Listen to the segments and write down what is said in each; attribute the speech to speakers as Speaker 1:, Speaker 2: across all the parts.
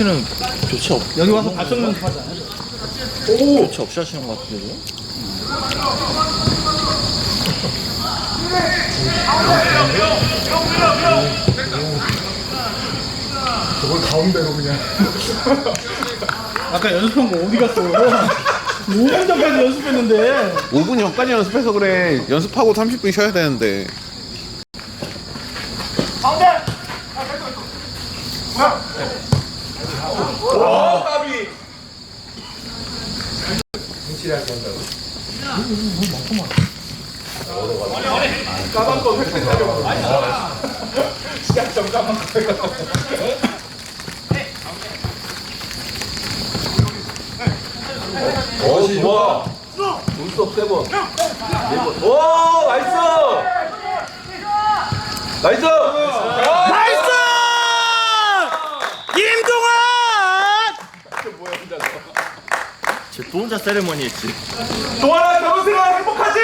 Speaker 1: 오늘은 교체 없.
Speaker 2: 여기 와서 발성 연습하잖아요.
Speaker 1: 오! 교체 없이 하시는 것 같은데요?
Speaker 3: 저걸 가운데로 그냥.
Speaker 2: 아까 연습한 거 어디 갔어? 5분 전까지 연습했는데.
Speaker 4: 5분 전까지 연습해서 그래. 연습하고 30분 쉬어야 되는데.
Speaker 3: 오, 까비. 확실하게 한다고. 까만 거 획득하려고. 시작 좀 까만 거 획득하려고. 오, 좋아. 눈썹 세 번. 오, 나이스. 나이스.
Speaker 2: 나이스! 김동환!
Speaker 3: 뭐야, 혼자.
Speaker 1: 쟤 또 혼자 세레머니 했지.
Speaker 3: 동환아, 결혼 생활 행복하지?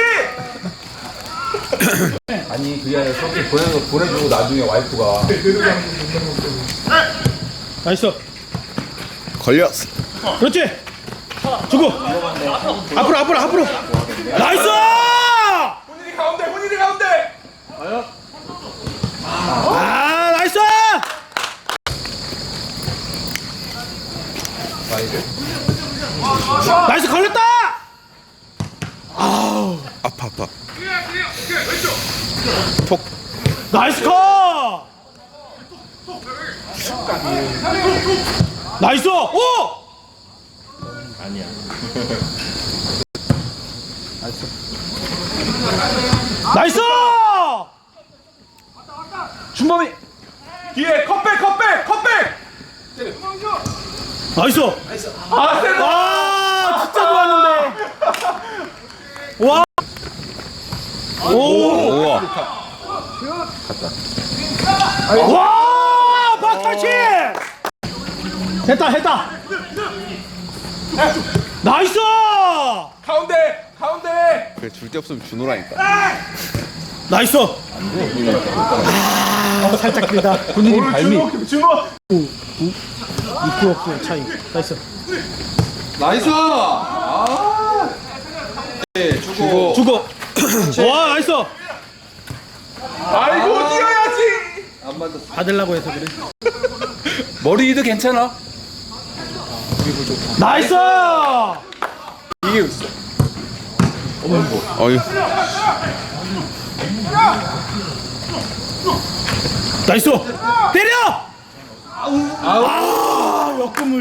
Speaker 5: 아니 그게 아니라 저렇게 보내주고 나중에 와이프가
Speaker 2: 나이스.
Speaker 4: 걸렸어.
Speaker 2: 그렇지. 주고. 앞으로. 나이스!
Speaker 3: 혼일이 가운데, 혼일이 가운데.
Speaker 2: 아, 나이스! 나이스 걸렸다!
Speaker 4: 아파. 톡.
Speaker 2: 나이스 컷! 나이스! 오!
Speaker 1: 아니야.
Speaker 2: 나이스! 준범이!
Speaker 3: 뒤에 컵백.
Speaker 2: 나이스!
Speaker 3: 아, 세다.
Speaker 2: 와, 진짜 좋았는데. 와. 오.
Speaker 4: 우와.
Speaker 2: 와, 박탈치. 했다. 나이스.
Speaker 3: 가운데.
Speaker 4: 그래, 줄 데 없으면 준호라니까.
Speaker 2: 나이스. 살짝 길다. 군인이 발밑.
Speaker 3: 준호.
Speaker 2: 입구 없고 차이. 나이스.
Speaker 5: 나이스! 아
Speaker 2: 주고. 와, 나이스.
Speaker 3: 아이고, 뛰어야지.
Speaker 5: 안 맞았어.
Speaker 2: 받으려고 해서 그래.
Speaker 5: 머리도 괜찮아?
Speaker 2: 나이스.
Speaker 3: 이게 있어.
Speaker 4: 어휴.
Speaker 2: 나이스. 때려. 아, 역금을.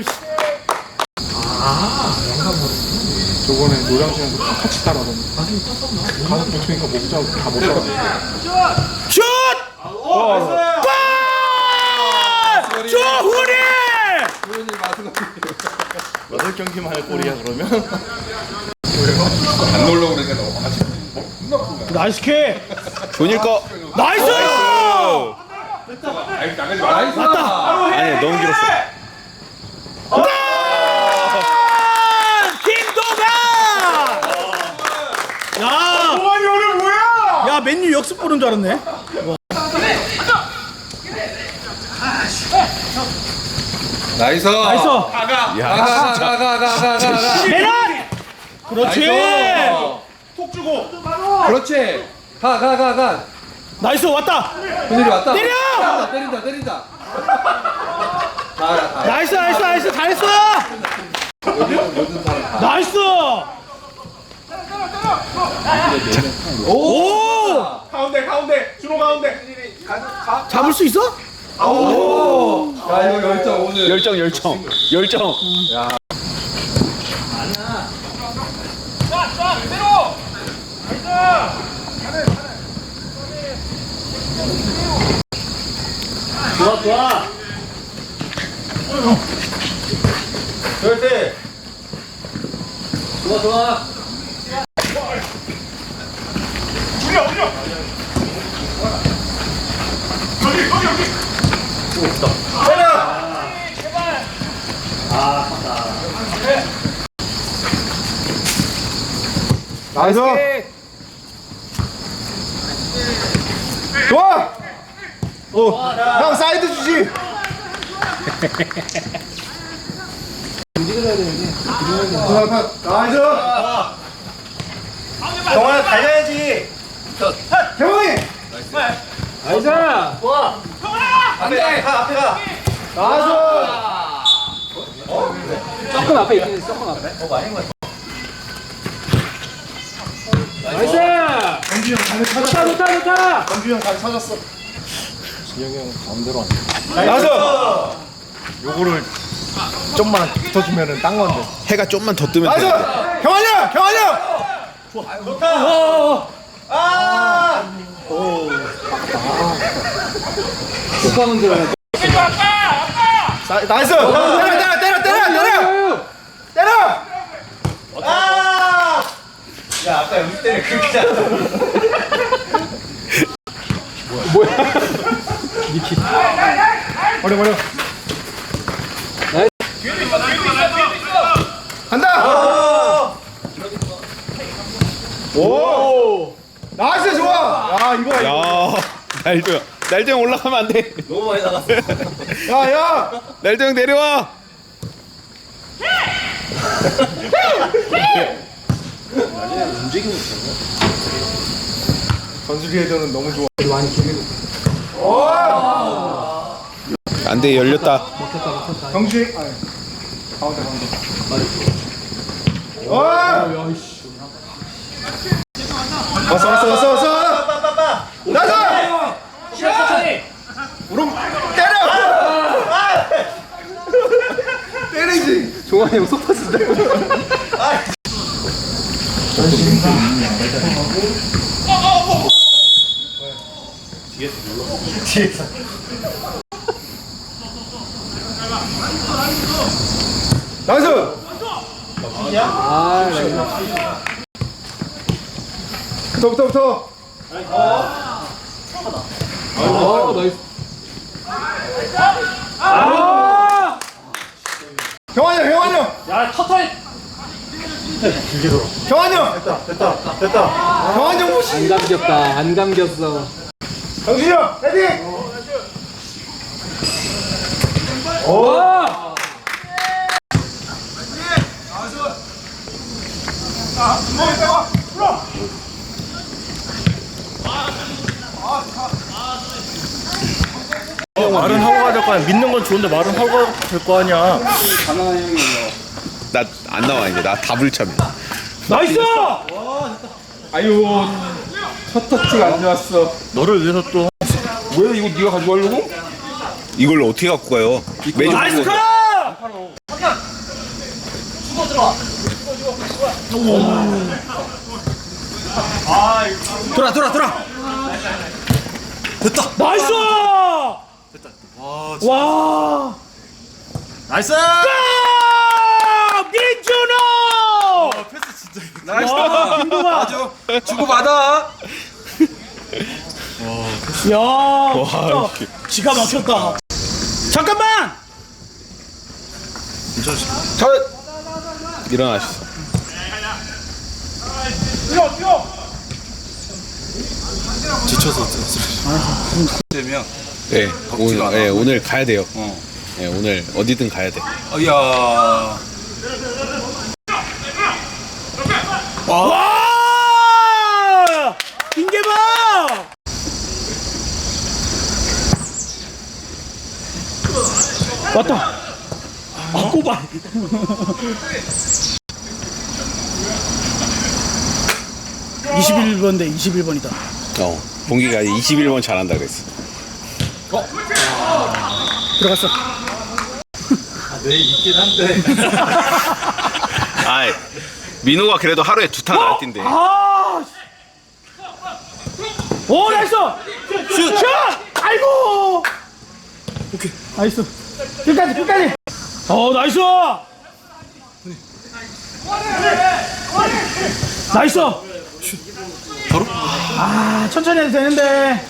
Speaker 3: 저번에 노량진에서 같이 따라하던데. 가서 붙으니까 못 잡고 다못 잡아.
Speaker 2: 슛! 골! 조훈이!
Speaker 1: 여덟 경기만 할 골이야 그러면?
Speaker 5: 안 놀러 그러니까 너무 같이
Speaker 2: 나이스 킥!
Speaker 4: 존일 거.
Speaker 2: 나이스!
Speaker 5: 나이스!
Speaker 4: 아니, 너무 길었어.
Speaker 2: 김동환! 야!
Speaker 3: 동환이 오늘 뭐야?
Speaker 2: 야, 맨유 역습 보는 줄 알았네.
Speaker 5: 나이스!
Speaker 2: 나이스!
Speaker 5: 가.
Speaker 2: 메란! 그렇지!
Speaker 3: 톡 주고.
Speaker 5: 그렇지! 가.
Speaker 2: 나이스, 왔다!
Speaker 5: 훈일이 왔다.
Speaker 2: 때려!
Speaker 5: 때린다. 가.
Speaker 2: 나이스! 잘했어! 나이스! 오!
Speaker 3: 가운데. 준호 가운데. 가.
Speaker 2: 잡을 수 있어?
Speaker 5: 야 이거 열정 오늘.
Speaker 4: 열정.
Speaker 1: 좋아.
Speaker 3: 그렇지.
Speaker 1: 좋아.
Speaker 3: 올려.
Speaker 5: 나이스!
Speaker 3: 좋아. 형 사이드 주지. 나이스.
Speaker 1: 경환아 달려야지.
Speaker 3: 경원이.
Speaker 2: 나이스!
Speaker 1: 안돼. 가 앞에 가.
Speaker 3: 나이스.
Speaker 2: 조금 앞에 있긴 해, 조금 앞에. 나이스!
Speaker 3: 경규 형 가는
Speaker 2: 좋다,
Speaker 3: 찾았어.
Speaker 2: 좋다, 좋다!
Speaker 3: 경규 형 가는 찾았어.
Speaker 1: 진영이 형 가운데로 왔네.
Speaker 3: 나이스.
Speaker 1: 요거를 좀만 붙어주면은 딴 건데.
Speaker 4: 해가 좀만 더 뜨면
Speaker 3: 나이스.
Speaker 4: 돼.
Speaker 3: 경환이 형. 경환이 형.
Speaker 2: 축하하면 들어야 돼.
Speaker 3: 나이스. 때려.
Speaker 1: 야 아까 여기 때문에 그렇게 잘.
Speaker 3: 버려. 간다. 오. 나이스 좋아. 야 이거.
Speaker 4: 야, 날도형 올라가면 안 돼.
Speaker 1: 너무 많이 나갔어.
Speaker 3: 야.
Speaker 4: 날도형 내려와.
Speaker 3: 전술이 해전은 너무 좋아.
Speaker 4: 안 돼, 열렸다.
Speaker 3: 경주이. 가운데. 와. 왔어. 나가.
Speaker 2: 천천히!
Speaker 3: 우롱 때려. 때리지.
Speaker 2: 종환이 형 속파 쓴다.
Speaker 3: 나이스.
Speaker 2: 아, 나이스.
Speaker 3: 부터.
Speaker 2: 나이스.
Speaker 3: 경환이 형.
Speaker 2: 야, 터터이!
Speaker 3: 경환이 형. 됐다. 경환이 형 무시.
Speaker 2: 안 감겼다, 안 감겼어.
Speaker 3: 경준이 형. 헤딩.
Speaker 2: 와!
Speaker 1: 말은 하고 가야 될 거 아니야. 믿는 건 좋은데 말은 하고 가야 될 거 아니야.
Speaker 4: 나 안 나와 이제. 나 다불참해.
Speaker 2: 나이스!
Speaker 3: 아유. 첫 터치가 안 좋았어.
Speaker 1: 너를 위해서 또.
Speaker 3: 왜 이거 네가 가져가려고?
Speaker 4: 이걸 어떻게 갖고 가요? 매주
Speaker 2: 나이스
Speaker 4: 갖고
Speaker 2: 컷!
Speaker 4: 가요.
Speaker 1: 돌아.
Speaker 2: 나이스! 와!
Speaker 1: 나이스.
Speaker 2: 민준호!
Speaker 1: 패스 진짜.
Speaker 3: 나이스.
Speaker 2: 김동아!
Speaker 3: 주고받아.
Speaker 2: 야, 진짜 기가 막혔다. 잠깐만!
Speaker 4: 일어나셨어.
Speaker 1: 지쳐서
Speaker 3: 되면.
Speaker 4: 네, 오늘 가야 돼요. 네, 오늘 어디든 가야 돼.
Speaker 3: 야.
Speaker 2: 와! 김계방! 왔다. 아, 꼬발. (21번) 대 21번이다.
Speaker 4: 봉기가 21번 잘한다 그랬어.
Speaker 2: 들어갔어.
Speaker 1: 네 있긴 한데.
Speaker 4: 아, 민호가 그래도 하루에 2탕 안 뛴대.
Speaker 2: 아! 오, 나이스! 슛! 아이고! 오케이. 나이스. 끝까지. 나이스! 나이스! 바로? 아, 천천히 해도 되는데.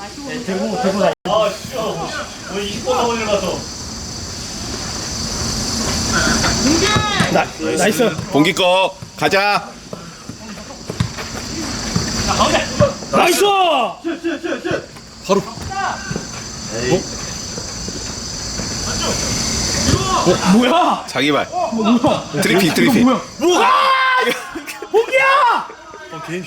Speaker 2: 나이스.
Speaker 4: 봉기 거 가자.
Speaker 2: 나이스! 뭐야?
Speaker 4: 자기발.
Speaker 2: 뭐야?
Speaker 4: 트리핑.
Speaker 2: 뭐야? 봉기야!
Speaker 1: 게임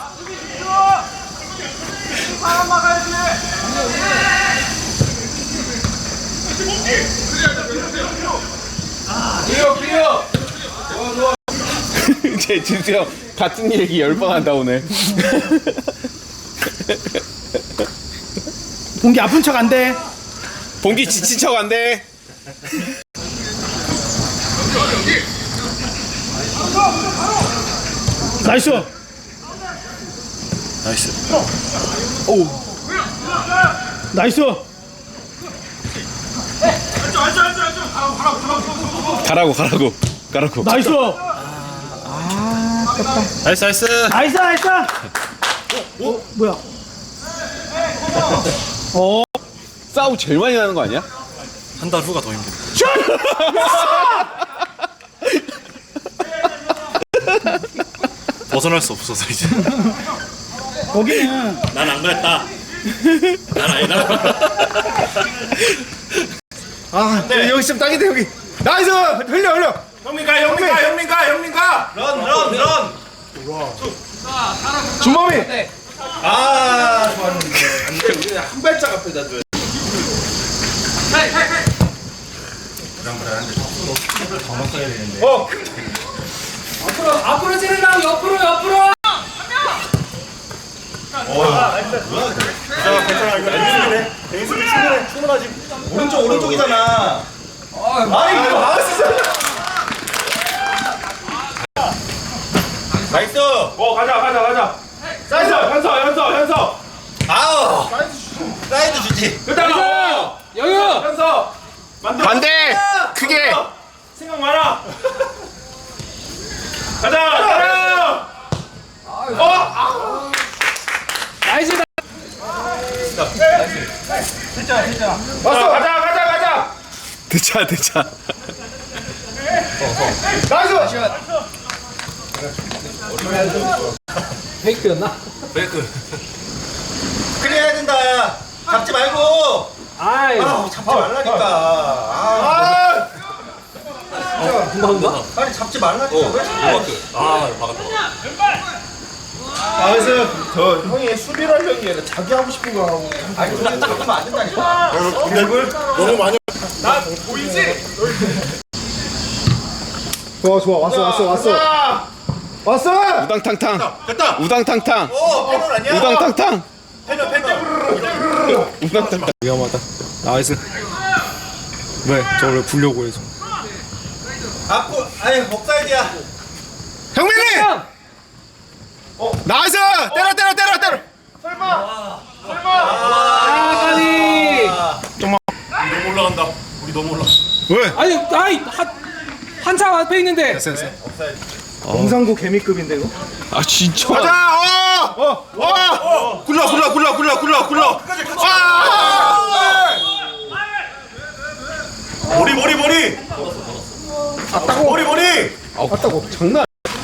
Speaker 4: 제 진수 형 같은 얘기 10번 한다 오늘.
Speaker 2: 봉기 아픈 척 안 돼.
Speaker 4: 봉기 지친 척 안 돼.
Speaker 2: 나이스.
Speaker 1: 나이스.
Speaker 2: 나이스.
Speaker 4: 가라고.
Speaker 2: 나이스.
Speaker 1: 나이스.
Speaker 2: 나이스. 뭐야?
Speaker 4: 싸움 제일 많이 나는 거 아니야?
Speaker 1: 한 달 후가 더 힘들어. 벗어날 수 없어서 이제.
Speaker 2: 거기는
Speaker 1: 난 안 그랬다. 난 아니다.
Speaker 3: 아 여기 좀 딱인데 여기. 나이스. 흘려.
Speaker 1: 형민 가. 런.
Speaker 3: 준범이.
Speaker 5: 아 좋았는데 안돼 우리 한 발짝 앞에다 둬야
Speaker 6: 앞으로 찌르라고 옆으로
Speaker 1: 괜찮아. 이거 대인수비네. 대인수비 충분하지.
Speaker 5: 오른쪽이잖아 아이 이거 막았어 나이스
Speaker 3: 가자. 현서.
Speaker 5: 아우 사이드 주지
Speaker 6: 영유
Speaker 4: 반대. 크게.
Speaker 3: 생각 많아. 가자.
Speaker 6: 나이스
Speaker 3: 왔어. 가자.
Speaker 4: 대차.
Speaker 3: 나이스.
Speaker 6: 페이크였나?
Speaker 5: 클리어해야 된다 잡지 말고
Speaker 6: 아이
Speaker 5: 잡지 말라니까
Speaker 6: 금방
Speaker 5: 아니 잡지 말라니까 왜 자꾸
Speaker 3: 그래서 저 형이 수비를 하려는 게 아니라 자기 하고 싶은 거 하고.
Speaker 5: 아니 그렇게 하면 안 된다니까
Speaker 1: 너무 많이.
Speaker 3: 좋아. 왔어.
Speaker 4: 우당탕탕.
Speaker 1: 됐다.
Speaker 4: 우당탕탕.
Speaker 5: 패널 아니야?
Speaker 4: 우당탕탕.
Speaker 5: 패널
Speaker 4: 우당탕탕.
Speaker 3: 위험하다. 나이스. 왜? 저걸 불려고 해서.
Speaker 5: 앞으로 아니 옵사이드야
Speaker 3: 형민이. 나이스. 때려.
Speaker 6: 아니
Speaker 1: 너무 올라간다. 우리 너무 올라.
Speaker 3: 왜?
Speaker 6: 아니 한참 앞에 있는데
Speaker 3: 공상구 개미급인데 이거.
Speaker 4: 아 진짜.
Speaker 3: 가자. 굴러.
Speaker 1: 머리. 머리.
Speaker 3: 맞다고. 장난.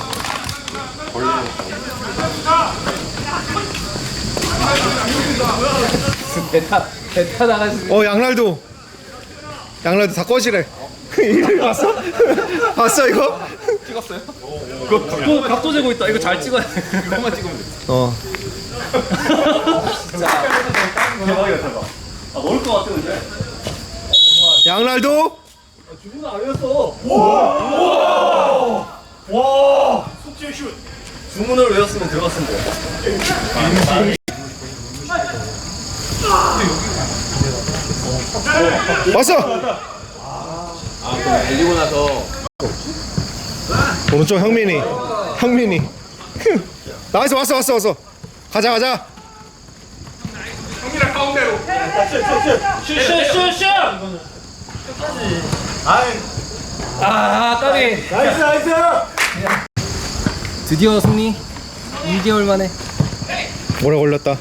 Speaker 6: 베타 나가지
Speaker 3: 양날도 다 꺼지래. 이거 봤어? 봤어 이거?
Speaker 6: 각도 재고 있다 이거 잘 찍어야 돼 그것만 찍으면 돼
Speaker 1: 넣을 것 같아 근데.
Speaker 3: 양날도.
Speaker 1: 와. 속죄 슛. 주문을 외웠으면 들어갔으면 돼.
Speaker 3: 왔어.
Speaker 5: 달리고 나서
Speaker 3: 오른쪽 형민이. 나이스. 왔어. 가자.
Speaker 6: 슛 아 까비
Speaker 3: 나이스.
Speaker 6: 드디어 승리 2개월 만에
Speaker 3: 오래 걸렸다.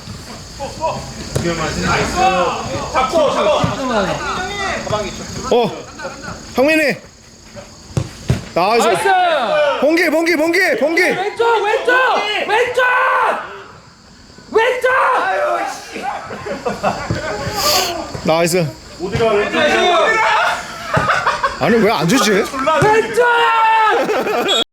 Speaker 6: 깔끔하네
Speaker 3: 형민이. 나이스.
Speaker 6: 나이스
Speaker 3: 봉기.
Speaker 6: 왼쪽
Speaker 3: 나이스.
Speaker 4: 아니 왜 안 주지?
Speaker 6: 왼쪽!